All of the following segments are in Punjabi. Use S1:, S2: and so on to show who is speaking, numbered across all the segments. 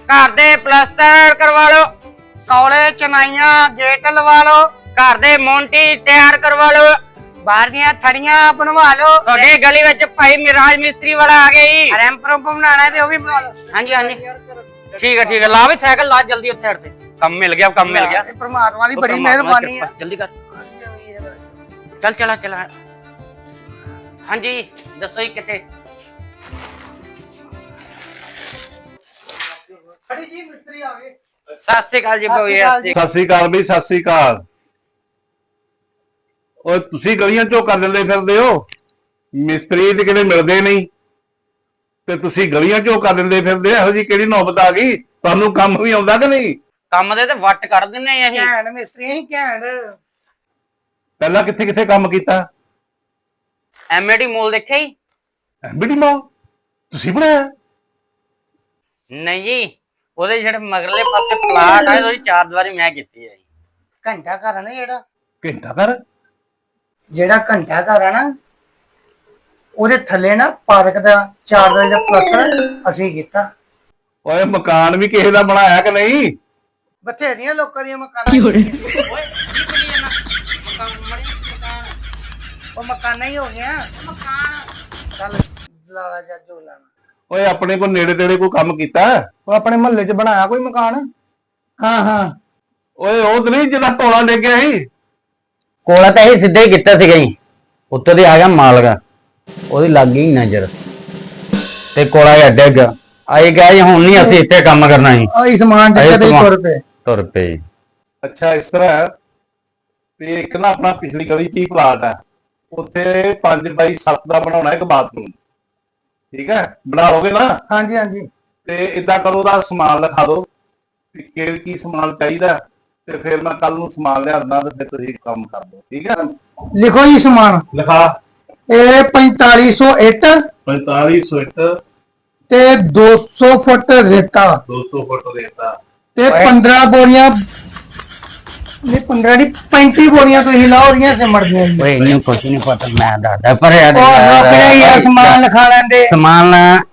S1: घर दे प्लस्तर करवा लो,
S2: कौले चनाइयां गेट लवा लो,
S1: घर दे मोंटी तैयार करवा लो,
S2: बाहर दियां थड़ियां बनवा लो।
S1: थोड़े गली विच भाई मिराज मिस्त्री वाला आ गया जी।
S2: रैंप रूंप बनाना है ते वो भी बनवा लो।
S1: हाँ जी हाँ जी ठीक है ला भी साइकिल ला जल्दी उत्थे हट। कम मिल गया
S2: परमात्मा की बड़ी मेहरबानी है।
S1: जल्दी कर चल चला चला। हाँ जी दसो जी किथे
S2: जी मिस्त्री आ गए।
S1: सत श्री अकाल जी
S3: सत श्री अकाल भी सत श्री अकाल। और तुसी गलियां चो कर दिंदे फिरदे हो, मिस्त्री ते किते मिलदे नहीं ते तुसी गलियां चो कर दिंदे फिरदे। ਇਹੋ जी ਕਿਹੜੀ ਨੌਬਤ ਆ ਗਈ? ਤੁਹਾਨੂੰ ਕੰਮ ਵੀ ਆਉਂਦਾ ਕਿ ਨਹੀਂ?
S1: ਕੰਮ ਦੇ ਤੇ ਵੱਟ ਕੱਢ ਦਿੰਨੇ ਆ ਅਸੀਂ।
S2: ਘੈਂਟ ਮਿਸਤਰੀ ਅਸੀਂ ਘੈਂਟ।
S3: ਪਹਿਲਾਂ ਕਿੱਥੇ ਕਿੱਥੇ ਕੰਮ ਕੀਤਾ?
S1: ਐਮਏਡੀ ਮੋਲ ਦੇਖਿਆ ਜੀ?
S3: ਐਮਬੀਡੀ ਮਾਲ ਤੁਸੀਂ ਬਣਾਇਆ?
S1: ਨਹੀਂ ਜੀ ਉਹਦੇ ਜਿਹੜੇ ਮਗਰਲੇ ਪਾਸੇ ਪਲਾਟ ਆ ਉਹਦੀ ਚਾਰ ਦੀਵਾਰੀ ਮੈਂ ਕੀਤੀ ਹੈ ਜੀ।
S2: ਘੰਟਾ ਘਰ ਆ ਨਾ
S3: ਘੰਟਾ ਘਰ
S2: ਜਿਹੜਾ ਘੰਟਾ ਘਰ ਆ ਨਾ ਉਹਦੇ ਥੱਲੇ ਨਾ ਪਾਰਕ ਦਾ 4 ਵਜੇ ਦਾ ਪਲਸਤਰ ਅਸੀਂ ਕੀਤਾ।
S3: ਓਏ ਮਕਾਨ ਵੀ ਕਿਸੇ ਦਾ ਬਣਾਇਆ ਕਿ ਨਹੀਂ?
S2: ਬਥੇਰੀਆਂ ਲੋਕਾਂ ਦੀਆਂ ਮਕਾਨਾਂ
S1: ਓਏ ਕੀ ਬੋਲੀ ਜਾਂਦਾ ਮਕਾਨ
S2: ਉਹ ਮਕਾਨਾਂ ਹੀ ਹੋ ਗਿਆ।
S1: ਮਕਾਨ
S2: ਚੱਲ ਲਾਲਾ ਜਾ ਜੋ ਲਾਣਾ।
S3: ਓਏ ਆਪਣੇ ਕੋਲ ਨੇੜੇ ਤੇੜੇ ਕੋਈ ਕੰਮ ਕੀਤਾ?
S2: ਉਹ ਆਪਣੇ ਮੁਹੱਲੇ 'ਚ ਬਣਾਇਆ ਕੋਈ ਮਕਾਨ? ਹਾਂ
S3: ਓਏ ਉਹ ਤੇ ਨਹੀਂ ਜਿਹਦਾ ਟੋਲਾ ਡਿੱਗ ਗਿਆ ਸੀ?
S4: ਕੋਲਾ ਤਾਂ ਇਹ ਸਿੱਧਾ ਹੀ ਕੀਤਾ ਸੀਗਾ ਜੀ। ਉੱਤੋਂ ਦੀ ਆ ਗਿਆ ਮਾਲਕ, ਉਹਦੀ ਲੱਗ ਗਈ ਨਜ਼ਰ ਤੇ ਕੋਲਾ ਹੀ ਡਿੱਗ ਆਈ ਗਿਆ ਜੀ। ਹੁਣ ਨਹੀਂ ਅਸੀਂ ਇੱਥੇ ਕੰਮ ਕਰਨਾ ਜੀ।
S2: ਉਹ ਸਮਾਨ ਚੱਕ ਦੇ
S4: ਤੁਰ ਪਏ।
S3: ਅੱਛਾ ਇਸ ਤਰ੍ਹਾਂ ਹੈ ਤੇ ਇੱਕ ਨਾ ਆਪਣਾ ਪਿਛਲੀ ਗਲੀ 'ਚ ਹੀ ਪਲਾਟ ਹੈ, ਉੱਥੇ 5x7 ਦਾ ਬਣਾਉਣਾ ਇੱਕ ਬਾਥਰੂਮ। ਠੀਕ ਹੈ ਬਣਾ ਲੋਗੇ ਨਾ?
S2: ਹਾਂਜੀ
S3: ਤੇ ਇਦਾਂ ਕਰੋ ਉਹਦਾ ਸਮਾਨ ਲਿਖਾ ਦਿਓ ਕਿ ਕੀ ਸਮਾਨ ਚਾਹੀਦਾ ਤੇ ਫਿਰ ਮੈਂ ਕੱਲ ਨੂੰ ਸਮਾਨ ਲਿਆ ਦਿੰਦਾ ਤੇ ਫਿਰ ਤੁਸੀਂ ਕੰਮ ਕਰ ਦਿਓ। ਠੀਕ ਹੈ
S2: ਲਿਖੋ ਜੀ ਸਮਾਨ।
S3: ਲਿਖਾ।
S2: ਇਹ 4500 ਇੱਟ
S3: 4500 ਇੱਟ
S2: ਤੇ 200 ਫੁੱਟ ਰੇਤਾ
S3: 200 ਫੁੱਟ ਰੇਤਾ
S2: ਤੇ 15 ਬੋਰੀਆਂ ਨਹੀਂ 15 ਨਹੀਂ 35 ਬੋਰੀਆਂ ਤੁਸੀਂ ਲਾਓ ਰਹੀਆਂ ਸਿਮੜ ਦੀਆਂ ਜੀ।
S4: ਓਏ ਇਹਨੂੰ ਕੁਝ ਨਹੀਂ ਪਤਾ, ਮੈਂ ਦੱਸਦਾ ਪਰ ਯਾਰ
S2: ਉਹ ਆਪਣੇ ਯਾਰ ਸਮਾਨ ਲਿਖਾ ਲੈਂਦੇ।
S4: ਸਮਾਨ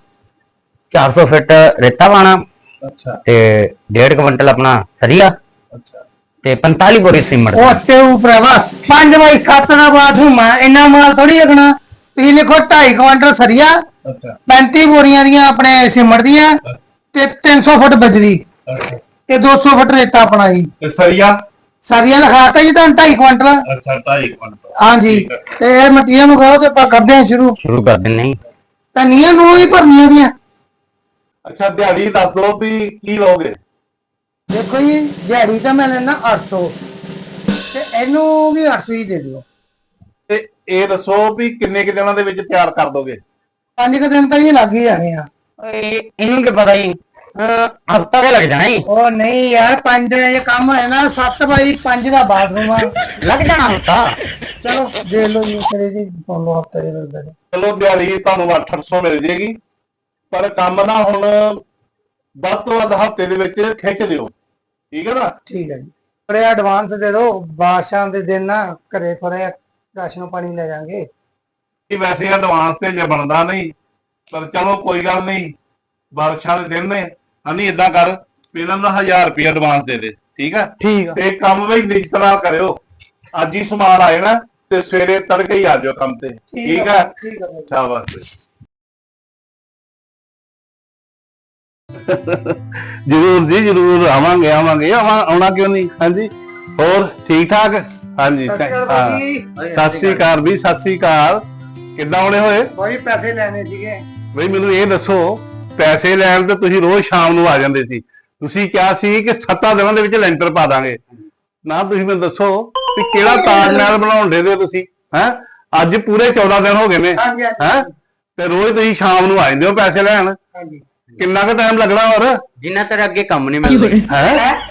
S4: 400 ਫੁੱਟ ਰੇਤਾ ਪਾਣਾ।
S3: ਅੱਛਾ
S4: ਤੇ 1.5 ਕੁਇੰਟਲ ਆਪਣਾ ਸਰੀਆ
S3: ਅੱਛਾ
S4: ਤੇ 45 ਬੋਰੀ ਸੀਮਟ।
S2: ਉਹ ਤੇ ਉਪਰ ਬਸ 5x7 ਦਾ ਬਾਥਰੂਮ ਆ। ਇੰਨਾ ਮਾਲ ਥੋੜੀ ਲੱਗਣਾ। ਤੁਸੀਂ ਲਿਖੋ 2.5 ਕੁਇੰਟਲ ਸਰੀਆ,
S3: ਅੱਛਾ
S2: 35 ਬੋਰੀਆਂ ਦੀਆਂ ਆਪਣੇ ਸਿਮੜ ਦੀਆਂ ਤੇ 300 ਫੁੱਟ ਬਜਰੀ
S3: ਅੱਛਾ
S2: ਤੇ 200 ਫੁੱਟ ਰੇਤਾ ਆਪਣਾ ਜੀ।
S3: ਤੇ ਸਰੀਆ
S2: ਸਰੀਆ ਲਿਖਾਤਾ ਜੀ ਤੁਹਾਨੂੰ 2.5 ਕੁਇੰਟਲ।
S3: ਅੱਛਾ 2.5 ਕੁਇੰਟਲ
S2: ਹਾਂਜੀ ਤੇ ਇਹ ਮਟੀਰੀਅਲ ਨੂੰ ਕਹੋ ਤੇ ਆਪਾਂ ਕਰਦੇ ਹਾਂ
S4: ਸ਼ੁਰੂ ਕਰ ਦਿੰਨੇ।
S2: ਤਾਂ ਨੀਆਂ ਨੂੰ ਹੀ ਭਰਨੀਆਂ ਦੀਆਂ।
S3: ਅੱਛਾ ਦਿਹਾੜੀ ਦੱਸ ਦਿਓ ਵੀ ਕੀ ਲਓਗੇ?
S2: ਦੇਖੋ ਜੀ ਦਿਹਾੜੀ ਤਾਂ ਮੈਂ ਲੈਣਾ 800 ਤੇ ਇਹਨੂੰ ਵੀ 800 ਹੀ ਦੇ ਦਿਓ।
S3: ਤੇ ਇਹ ਦੱਸੋ ਵੀ ਕਿੰਨੇ ਕਿ ਦਿਨਾਂ ਦੇ ਵਿੱਚ ਤਿਆਰ ਕਰ ਦੋਗੇ?
S2: 5 ਦਿਨ ਤਾਂ ਇਹ ਲੱਗ ਹੀ ਜਾਣੇ ਆ।
S4: ਓਏ ਇਹਨੂੰ ਕੀ ਪਤਾ ਜੀ, ਹਫਤਾ ਕੇ ਲੱਗ ਜਾਣਾ ਜੀ।
S2: ਉਹ ਨਹੀਂ ਯਾਰ 5 ਦਿਨ ਇਹ ਕੰਮ ਹੈ ਨਾ। 7x5 ਦਾ ਬਾਥਰੂਮ ਆ,
S4: ਲੱਗ ਜਾਣਾ ਹਫਤਾ।
S2: ਚਲੋ ਦੇ ਲਓ ਜੀ ਕਰੇ ਜੀ ਫੋਲੋ ਹਫਤਾ ਦੇ ਲਓ।
S3: ਚਲੋ ਦਿਹਾੜੀ ਤੁਹਾਨੂੰ 800 ਮਿਲ ਜੇਗੀ, ਪਰ ਕੰਮ ਨਾ ਹੁਣ ਵੱਧ ਤੋਂ ਵੱਧ ਹਫਤੇ ਦੇ ਵਿੱਚ ਖਿੱਚ ਦਿਓ। ਠੀਕ ਹੈ ਨਾ?
S2: ਠੀਕ ਹੈ ਜੀ। ਥੋੜਾ ਐਡਵਾਂਸ ਦੇ ਦਿਓ। ਬਾਦਸ਼ਾਹ ਦੇ ਦਿਨ ਨਾ ਘਰੇ ਥੋੜਾ ਰਾਸ਼ਨ ਪਾਣੀ ਲੈ ਜਾਾਂਗੇ।
S3: ਇਹ ਵੈਸੇ ਐਡਵਾਂਸ ਤੇ ਜੇ ਬਣਦਾ ਨਹੀਂ, ਪਰ ਚਲੋ ਕੋਈ ਗੱਲ ਨਹੀਂ, ਬਾਰਿਸ਼ਾਂ ਦੇ ਦਿਨ ਨੇ। ਹਨੀ ਇਦਾਂ ਕਰ ਪਹਿਲਾਂ ਨਾ 1000 ਰੁਪਏ ਐਡਵਾਂਸ ਦੇ ਦੇ। ਠੀਕ ਹੈ?
S2: ਠੀਕ ਆ।
S3: ਤੇ ਕੰਮ ਵੀ ਨਿਸ਼ਚਿਤ ਨਾਲ ਕਰਿਓ। ਅੱਜ ਹੀ ਸਮਾਨ ਆ ਜਾਣਾ ਤੇ ਸਵੇਰੇ ਤੜਕੇ ਹੀ ਆ ਜਾਓ ਕੰਮ ਤੇ। ਠੀਕ ਹੈ?
S2: ਠੀਕ ਹੈ।
S3: ਸ਼ਾਬਾਸ਼। ਜਰੂਰ ਜੀ ਜਰੂਰ ਆਵਾਂਗੇ ਆਉਣਾ ਕਿਉਂ ਨਹੀਂ। ਹਾਂਜੀ ਹੋਰ ਠੀਕ ਠਾਕ? ਹਾਂਜੀ ਸਤਿ ਸ੍ਰੀ ਅਕਾਲ ਵੀ ਸਤਿ ਸ੍ਰੀ ਅਕਾਲ। ਕਿੱਦਾਂ ਆਉਣੇ ਹੋਏ?
S2: ਕੋਈ ਪੈਸੇ ਲੈਣੇ ਸੀਗੇ
S3: ਬਈ ਮੈਨੂੰ ਇਹ ਦੱਸੋ, ਪੈਸੇ ਲੈਣ ਤੇ ਤੁਸੀਂ ਰੋਜ਼ ਸ਼ਾਮ ਨੂੰ ਆ ਜਾਂਦੇ ਸੀ। ਤੁਸੀਂ ਕਿਹਾ ਸੀ ਕਿ 7 ਦਿਨਾਂ ਦੇ ਵਿੱਚ ਲੈਂਟਰ ਪਾ ਦਾਂਗੇ ਨਾ। ਤੁਸੀਂ ਮੈਨੂੰ ਦੱਸੋ ਵੀ ਕਿਹੜਾ ਤਾਜ ਮਹਿਲ ਬਣਾਉਣ ਦੇ ਤੁਸੀਂ? ਹੈ ਅੱਜ ਪੂਰੇ 14 ਦਿਨ ਹੋ ਗਏ ਨੇ। ਹੈ ਤੇ ਰੋਜ਼ ਤੁਸੀਂ ਸ਼ਾਮ ਨੂੰ ਆ ਜਾਂਦੇ ਹੋ ਪੈਸੇ ਲੈਣ। ਕਿੰਨਾ ਕੁ ਟਾਈਮ ਲੱਗਣਾ ਹੋਰ?
S4: ਜਿੰਨਾ ਤੇਰੇ ਅੱਗੇ ਕੰਮ ਨਹੀਂ ਮਿਲਦਾ।
S3: ਹੈ